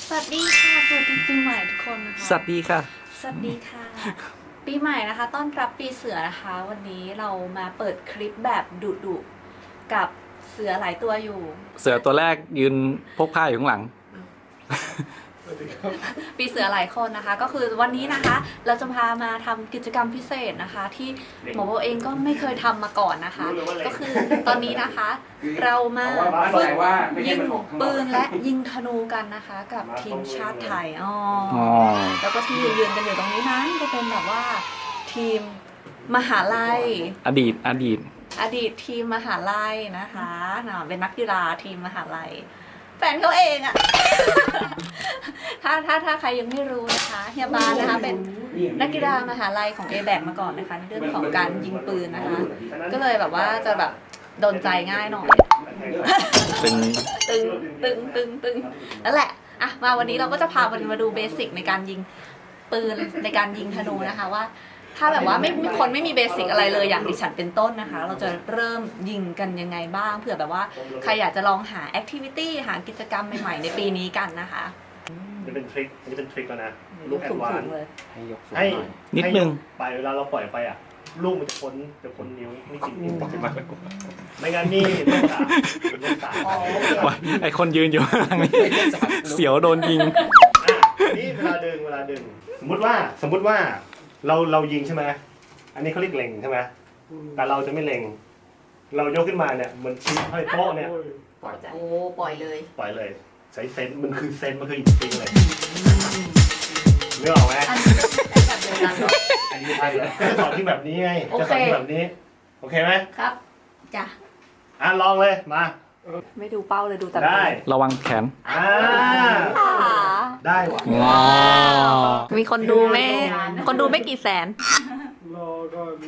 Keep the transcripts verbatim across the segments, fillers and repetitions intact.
สวัสดีค่ะสวัสดีปีใหม่ทุกคนนะคะสวัสดีค่ะสวัสดีค่ะปีใหม่นะคะต้อนรับปีเสือนะคะวันนี้เรามาเปิดคลิปแบบดุดุกับเสือหลายตัวอยู่เสือตัวแรกยืนพกผ้าอยู่ข้างหลังปีเสือหลายคนนะคะก็คือวันนี้นะคะเราจะพามาทำกิจกรรมพิเศษนะคะที่หมอโบเองก็ไม่เคยทำมาก่อนนะคะ ก็คือตอนนี้นะคะเรามาฝึกยิงปืนและยิงธนูกันนะคะ กับทีมชาติไทยอ๋อแล้วก็ที่ยืนกันอยู่ตรงนี้นั้นก็เป็นแบบว่าทีมมหาลัยอดีตอดีตอดีตทีมมหาลัยนะคะเป็นนักกีฬาทีมมหาลัยแฟนเขาเองอะ ถ้าถ้าถ้าใครยังไม่รู้นะคะเฮียบานนะคะเป็นนักกีฬามหาลัยของ เอ แบค มาก่อนนะคะในเรื่องของการยิงปืนนะคะก็เลยแบบว่าจะแบบโดนใจง่ายหน่อยเป็นตึงตึงตึงตึงนั่นแหละอ่ะมาวันนี้เราก็จะพาวันมาดูเบสิกในการยิงปืนในการยิงธนูนะคะว่าถ้าแบบว่าไม่มีคนไม่มีเบสิกอะไรเลยอย่างดิฉันเป็นต้นนะคะเราจะเริ่มยิงกันยังไงบ้างเผื่อแบบว่าใครอยากจะลองหาแอคทิวิตี้หากิจกรรมใหม่ๆในปีนี้กันนะคะนี่เป็นทริคนี่เป็นทริคแล้วนะลูกแอดวานซ์ให้ยกสูงให้นิดนึงไปเวลาเราปล่อยไปอ่ะลูกมันจะพ้นจะพ้นนิ้วไม่กินนิ้วไม่งั้นนี่ลูกสามลูกสามไอคนยืนอยู่ข้างหลังนี่เสียวโดนยิงนี่เวลาดึงเวลาดึงสมมติว่าสมมติว่าเราเรายิงใช่ไหมอันนี้เขาเรียกเล็งใช่ไหมแต่เราจะไม่เล็งเรายกขึ้นมาเนี่ยมันชี้ให้โป๊ะเนี่ยปล่อยโอ้ปล่อยเลยปล่อยเลยใช้เซนมันคือเซนมันคืออินสติ้งเลยไม่ออกไหมแบบเดียวกันอันนี้ใช่เลยจะสอนที่แบบนี้ไงจะสอนที่แบบนี้โอเคไหมครับจ้ะอ่ะลองเลยมาไม่ดูเป้าเลยดูแต่ได้ระวังแขนอ่าได้ว่ะมีคนดูไหมคนดูไม่กี่แสนรอก่อน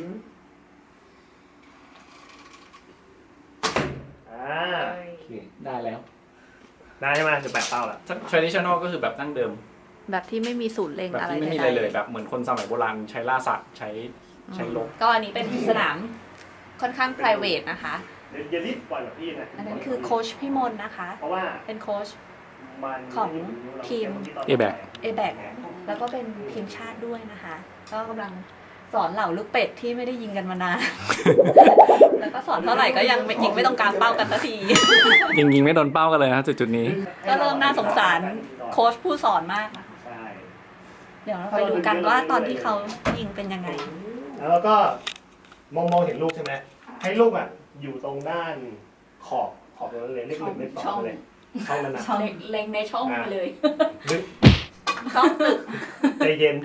อ่าได้แล้วได้ใช่ไหมจะแปะเป้าละ traditional ก็คือแบบดั้งเดิมแบบที่ไม่มีศูนย์เล็งอะไรแบบที่ไม่มีอะไรเลยแบบเหมือนคนสมัยโบราณใช้ล่าสัตว์ใช้ใช้ลบก็อันนี้เป็นสนามค่อนข้าง private นะคะอย่ารีบปล่อยแบบพี่นะอันนั้นคือโค้ชพี่มนนะคะเพราะว่าเป็นโค้ชของทีมเอ แบคเอ แบค แล้วก็เป็นทีมชาติด้วยนะคะก็กำลังสอนเหล่าลูกเป็ดที่ไม่ได้ยิงกันมานานแล้วก็สอนเท่าไหร่ก็ยังยิงไม่ต้องกลางเป้ากันสักทียิงยิงไม่โดนเป้ากันเลยนะจุดจุดนี้ก็เริ่มน่าสงสารโค้ชผู้สอนมากนะคะเดี๋ยวเราไปดูกันว่าตอนที่เขายิงเป็นยังไงแล้วก็มองมองเห็นลูกใช่ไหมให้ลูกอ่ะอยู่ตรงด้านขอบขอบตรงนั้นเลยเลขหนึ่งเลขสองเลยช่องนั้นนะเล็งในช่องไปเลยลึกช่องตึกใจเย็น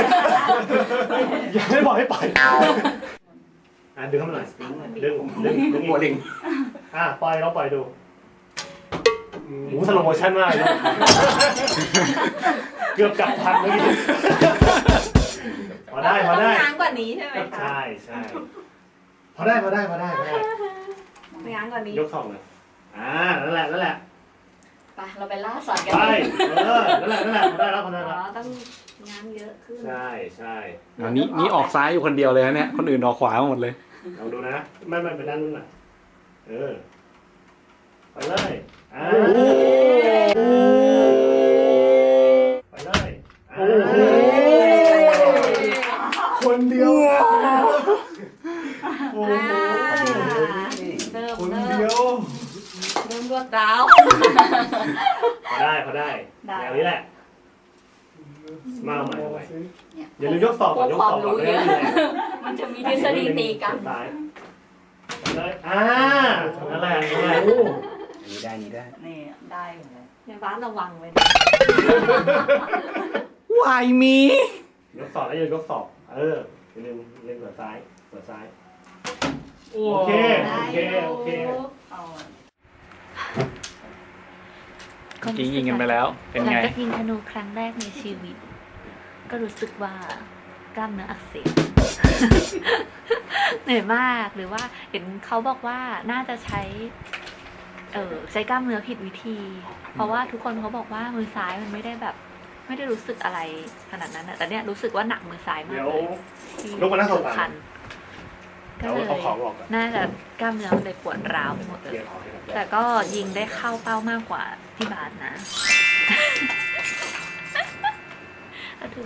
อย่าไม่บอกให้ปล่อยอ่ะดึงเข้ามาหน่อยดึงดึงดึงหัวลิงอ่ะปล่อยเราปล่อยดูโอ้สโลโมชั่นมากเลยเกือบจับทันเมื่อกี้พอได้พอได้ง้างกว่านี้ใช่ไหมคะใช่ใช่พอได้พอได้พอได้พอได้ง้างกว่านี้ยกสองเลยอ่านั่นแหละนั่นแหละไปเราไปล่าสัตว์กันไปเออนั่นแหละนั่นแหละพอได้แล้วพอได้แล้วต้องง้างเยอะขึ้นใช่ใช่อันนี้นี่ออกซ้ายอยู่คนเดียวเลยนะเนี่ยคนอื่นออกขวาหมดเลยลองดูนะไม่ไม่ไปด้านนู้นน่ะเออไปเลยอ่าไปเลยคนเดียวโอ้โหเริ่มคนเดียวเริ่มรวดร้าวพอได้พอได้แนวนี้แหละมาใหม่ใหม่อย่าลืมยกสอบก่อนยกสอบก่อนเลยมันจะมีทฤษฎีตีกันเลยอ่านั่นแหละนั่นแหละนี่ได้นี่ได้นี่ได้ในบ้านระวังไว้วายมียกสอบแล้วอย่าลืมยกสอบเอออย่าลืมเล่นเปิดซ้ายเปิดซ้ายโอเคโอเคโอเคยิงยิงกันไปแล้วเป็นไงหลังจากยิงธนูครั้งแรกในชีวิตก็รู้สึกว่ากล้ามเนื้ออักเสบเหนื่อยมากหรือว่าเห็นเขาบอกว่าน่าจะใช้เออใช้กล้ามเนื้อผิดวิธีเพราะว่าทุกคนเขาบอกว่ามือซ้ายมันไม่ได้แบบไม่ได้รู้สึกอะไรขนาดนั้นนะแต่เนี้ยรู้สึกว่าหนักมือซ้ายมากเลยที่คันก็เลยน่าจะกล้ามเนื้อมันเลยปวดร้าวไปหมดเลยแต่ก็ยิงได้เข้าเป้ามากกว่าที่บาสนะ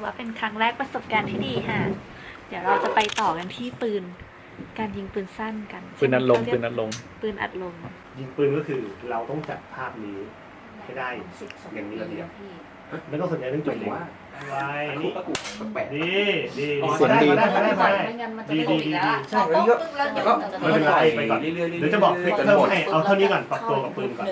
ว่าเป็นครั้งแรกประสบการณ์ที่ดีค่ะ เดี๋ยวเราจะไปต่อกันที่ปืน การยิงปืนสั้นกันปืนอัดลมปืนอัดลมปืนอัดลมยิงปืนก็คือเราต้องจับภาพนี้ให้ได้อย่างนี้ระเบียบไม่ต้องสนใจเรื่องจุดเล็งไว้นี่ดีดีเสียงดีได้ได้ได้ได้ไม่งั้นมันจะดีตดีกอีดีกแล้วใช่แล้วก็แล้วก็ไม่เป็นไรไปก่อนเดี๋ยวจะบอกทริคเพิ่มให้เอาเท่านี้ก่อนปรับตัวกับปืนก่อน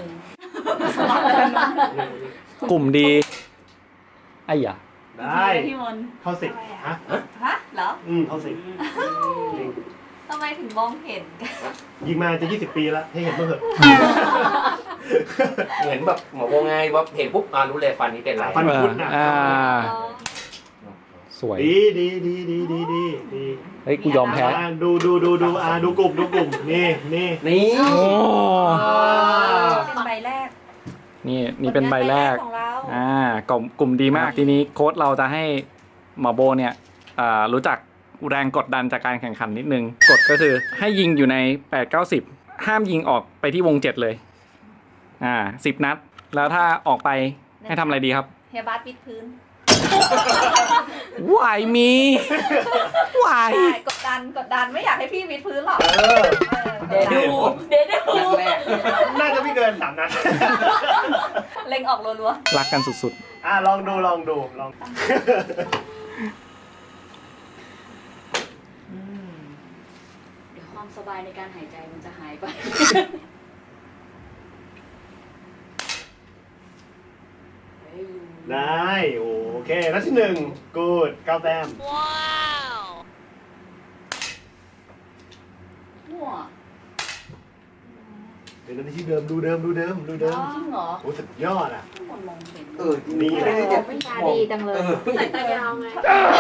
กลุ่มดีไอ้หยาได้พี่มนเข้าสิบฮะฮะเหรออืมเข้าสิบจริงทำไมถึงมองเห็นกันยิงมาจะยี่สิบปีแล้วให้เห็นบ้างเถอะเหมือนแบบหมอโบไงว่าเห็นปุ๊บอ่ารู้เลยฟันนี้เป็นไรฟันคุดนะอ่า สวยดีดีดีดีดีดีดีเฮ้ย กูยอมแพ้อ่าดูดูดูดูอ่าดูกลุ่มดูกลุ่มนี่นี่นี่โอ้เป็นใบแรกนี่นี่เป็นใบแรกของเราอ่ากลุ่มกลุ่มดีมาก ทีนี้โค้ชเราจะให้หมอโบเนี่ยอ่ารู้จักแรงกดดันจากการแข่งขันนิดนึง กฎก็คือให้ยิงอยู่ในแปด เก้า สิบ ห้ามยิงออกไปที่วงเจ็ดเลย อ่าสิบนัด แล้วถ้าออกไปให้ทำอะไรดีครับเฮียบาสปิดพื้นวายมีวายใช่กดดันกดดันไม่อยากให้พี่วิดพื้นหรอกเออเดี๋ยวดูเดี๋ยวดูแรกน่าจะไม่เกินสามนัดเล็งออกรัวรักกันสุดอ่าลองดูลองดูลองเดี๋ยวความสบายในการหายใจมันจะหายไป เฮ้ยได้โอเคนัดที่หนึ่งกูดเก้าแต้มมั่วเดี๋ยวนัดที่เดิมดูเดิมดูเดิมดูเดิมจริงเหรอโอ้สุดยอดอ่ะทุกคนมองเห็นเออนี่แหละวิชาดีจังเลยใส่ตายาวไง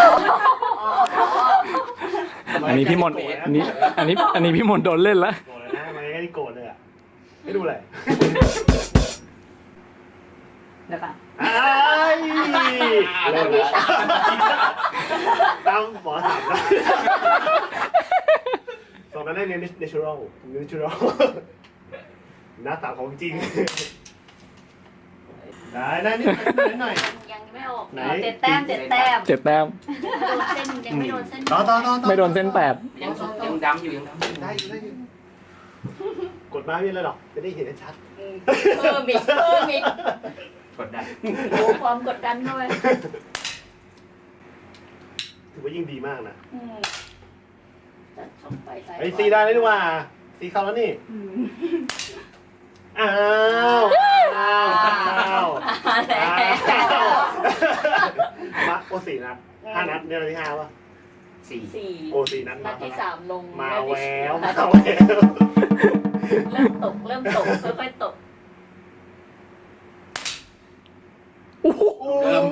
ๆ อันนี้พี่มนต์อันนี้อันนี้อันนี้พี่มนต์โดนเล่นแล้วโกรธเลยนะทำไมไม่ได้โกรธเลยอ่ะไม่ดูเลยเดี๋ยวก่อนไอ้ยเริ่มแล้วตามหมอถามนะสองนั้นได้เรียน natural natural หน้าตาของจริง ได้ได้นิดหน่อยหน่อยยังไม่ออกไหนเจ็ดแต้มเจ็ดแต้มเจ็ดแต้มโดนเส้นยังไม่โดนเส้นต่อต่อต่อต่อไม่โดนเส้นแปดยังยังดำอยู่ยังดำอยู่ได้อยู่ได้อยู่กดมาไม่เป็นไรหรอกจะได้เห็นชัดเพิ่มอีกเพิ่มอีกกดดันโอ้ความกดดันด้วยถือว่ายิ่งดีมากนะอืมจัดช่องไฟใส่ไอ้ซีได้แล้วนี่ว่าซีเข้าแล้วนี่อืมอ้าวอ้าวอ้าวมาแล้วมาโอสี่นัดห้านัดเนี่ยนัดที่ห้าป่ะสี่สี่โอสี่นัดนัดที่สามลงมานัดแวที่วนัมาดที่แววเริ่มตกเริ่มตกค่อยๆตกเริ่ม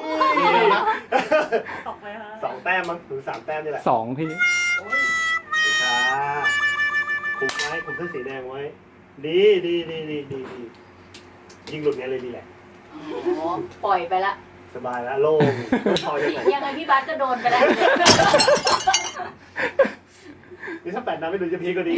ตกไหมคะสองแต้มมั้งหรือสามแต้มนี่แหละสองพี่ช้าคุมไว้คุมเส้นสีแดงไว้ ดีดีดีดีดีดียิงหลุดเนี้ยเลยดีแหละอ๋อปล่อยไปละสบายแล้วโล่งพอยังไงยังไงพี่บาสก็โดนไปแล้วนี่ถ้าแปดนัดไม่ดูจะพีคก็ดี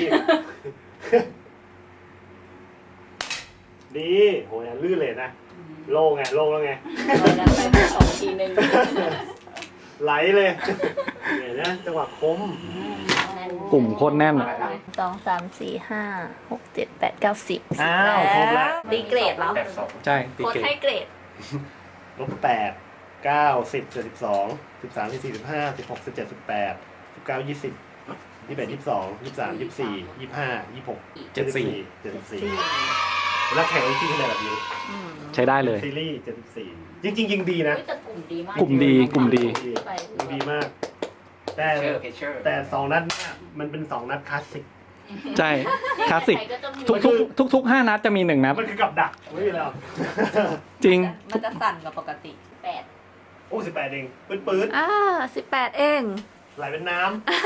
ดีโหยลื่นเลยนะ โล่งไงโล่งแล้วไงโดนกันไปสองทีนึงไหลเลยเนี่ยนะจังหวะคมกลุ่มโคตรแน่นสองสามสี่ห้าหกเจ็ดแปดเก้าสิบอ้าวครบแล้วดีเกรดแล้วแปดสองใช่ตีโค้ชเกตให้เกรดลบแปดเก้าสิบเจ็ดสิบสองสิบสามสิบสี่สิบห้าสิบหกสิบเจ็ดสิบแปดสิบเก้ายี่สิบยี่สิบเอ็ดยี่สิบสองยี่สิบสามยี่สิบสี่ยี่สิบห้ายี่สิบหกเจ็ดสิบสี่เจ็ดสิบสี่แล้วแข่งจริงๆขนาดแบบนี้ใช้ได้เลยซีรีส์เจ็ดสิบสี่จริงๆยิงดีนะเฮ้ยแต่กลุ่มดีมากกลุ่มดีกลุ่มดีไปยิงดีมาก แต่เชอร์เพเชอร์แต่สองนัดเนี่ยมันเป็นสองนัดคลาสสิกใช่ คลาสสิกใครจะมีทุกทุกทุกทุกห้านัดจะมีหนึ่งนัดมันคือกับดักไม่มีแล้วจริงมันจะสั่นกว่าปกติแปดโอ้สิบแปดเองปื๊ดปื๊ดอ่าสิบแปดเองไหลเป็นน้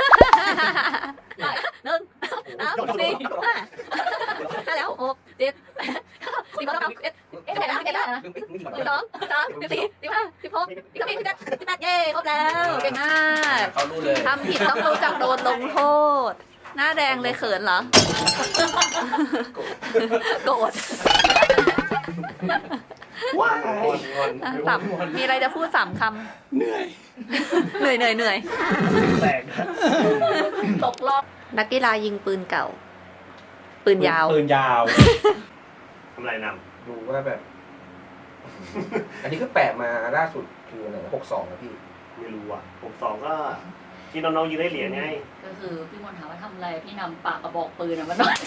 หนึ่งสามสี่ห้าห้าแล้วหกเจ็ดแปดเก้าสิบสองสิบเอ็ดเอ๊ะเท่าไหร่นะเอ็ดแล้วนะสิบสองสิบสามสิบสี่สิบห้าสิบหกสิบเจ็ดสิบแปดสิบแปดเย้ครบแล้วเก่งมากเขารู้เลยทำผิดต้องรู้จักโดนลงโทษ หน้าแดงเลยเขินเหรอ โกรธว้ายงอนงอนอ่ะสามมีอะไรจะพูดสามคเหนื่อยำเหนื่อยเหนื่อยเหนื่อยแตกนะตกรอบนักกีฬายิงปืนเก่า ปืนยาวปืนยาวทำไรนดูว่าแบบ อันนี้ก็แปะมาล่าสุดคืออะไรหกสองนะพี่ำไม่รู้อ่ะผมสองก็ที่น้องๆยิงได้เหรียญไงก็คือพี่มนต์ถามว่าทำอะไรพี่นำปากกระบอกปืนอะมานอน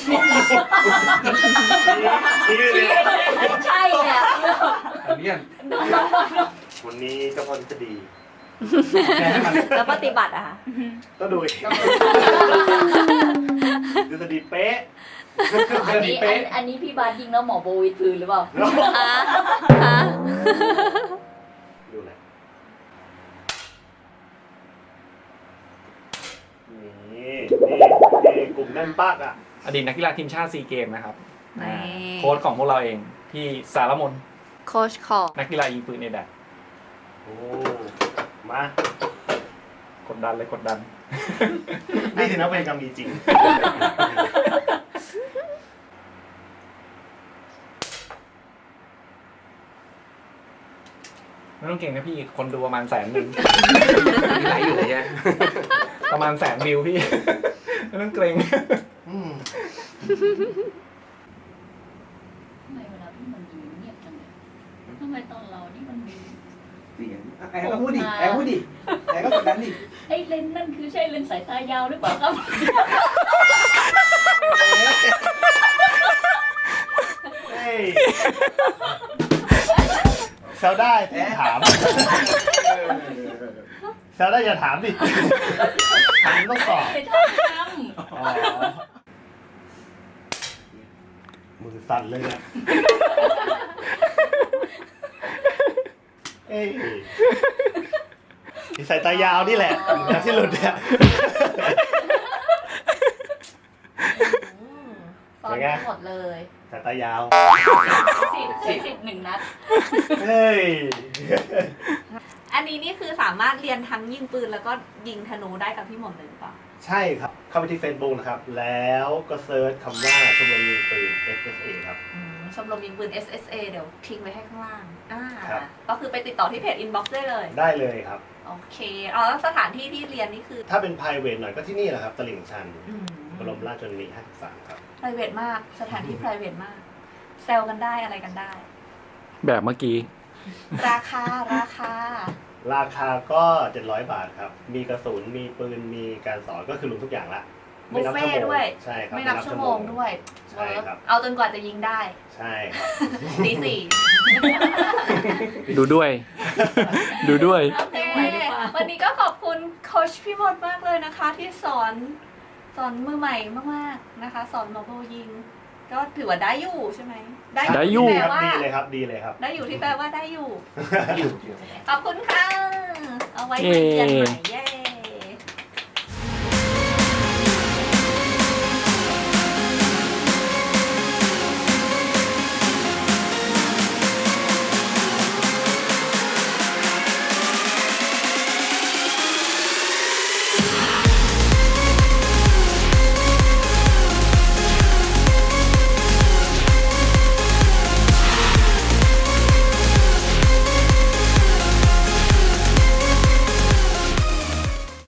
ที่นี่ใช่แหละอันนี้วันนี้เจ้าพ่อทฤษฎีแล้วปฏิบัติอะค่ะก็ดูอีกทฤษฎีเป๊ะอันนี้อันอันนี้พี่บาสยิงแล้วหมอโบวิดพื้นหรือเปล่าฮะฮะดูเลยนี่นี่นี่กลุ่มแน่นปักอ่ะอดีตนักกีฬาทีมชาติซีเกมนะครับนี่โค้ชของพวกเราเองพี่สารมนโค้ชของนักกีฬายิงปืนเอแดดโอ้มากดดันเลยกดดันนี่ถือว่าเป็นกรรมมีจริงไม่ต้องเก่งนะพี่คนดูประมาณแสนหนึ่งมีไลฟ์อยู่เลยใช่ไหมประมาณแสนวิวพี่ ไม่ต้องเกรงอืมทำไมเวลาพี่มันยิงเงียบจังเลยทำไมตอนเรานี่มันมีเสียงแอร์ก็พูดดิแอร์พูดดิแอร์ก็กดดันดิไอ้เลนส์นั่นคือใช่เลนส์สายตายาวหรือเปล่าครับเฮ้ยแซวได้พี่ถามแซวได้อย่าถามดิถามต้องตอบไม่ชอบทอ๋อมือสั่นเลยเนี่ยเอ้ยที่สายตายาวนี่แหละอย่างที่หลุดเนี่ยสอนทั้งหมดเลยสายตายาวำสิบสิบสิบหนึ่งนัดเฮ้ยอันนี้นี่คือสามารถเรียนทั้งยิงปืนแล้วก็ยิงธนูได้กับพี่หม่อมเลยหรือเปล่าใช่ครับ เข้าไปที่ Facebook นะครับ แล้วก็เซิร์ชคำว่าชมรมยิงปืน เอส เอส เอ ครับอืมชมรมยิงปืน เอส เอส เอ เดี๋ยวทิ้งไว้ให้ข้างล่างอ่าครับก็คือไปติดต่อที่เพจ inbox ได้เลยได้เลยครับโอเคอ๋อแล้วสถานที่ที่เรียนนี่คือถ้าเป็น private หน่อยก็ที่นี่แหละครับ ตลิ่งชันอืมบรมราชชนนีห้าสิบสามครับ private มาก สถานที่ private มาก แซลกันได้อะไรกันได้แบบเมื่อกี้ราคา ราคาราคาก็เจ็ดร้อยบาทครับ มีกระสุน มีปืน มีการสอนก็คือรวมทุกอย่างละบุฟเฟ่ต์ด้วยใช่ครับไม่นับชั่วโมงด้วยใช่ครับเอาจนกว่าจะยิงได้ใช่ครับตีสี่ดูด้วย ดูด้วยโอเค วันนี้ก็ขอบคุณโค้ชพี่มดมากเลยนะคะ ที่สอนสอนมือใหม่มากๆนะคะ สอนมาโบยิง ก็ถือว่าได้อยู่ใช่ไหมได้อยู่ที่คแปลรับว่าดีเลยครับ ดีเลยครับได้อยู่ที่แปลว่าได้อยู่อยู่ขอบคุณค่ะ เอาไว้มาเรียนใหม่เย้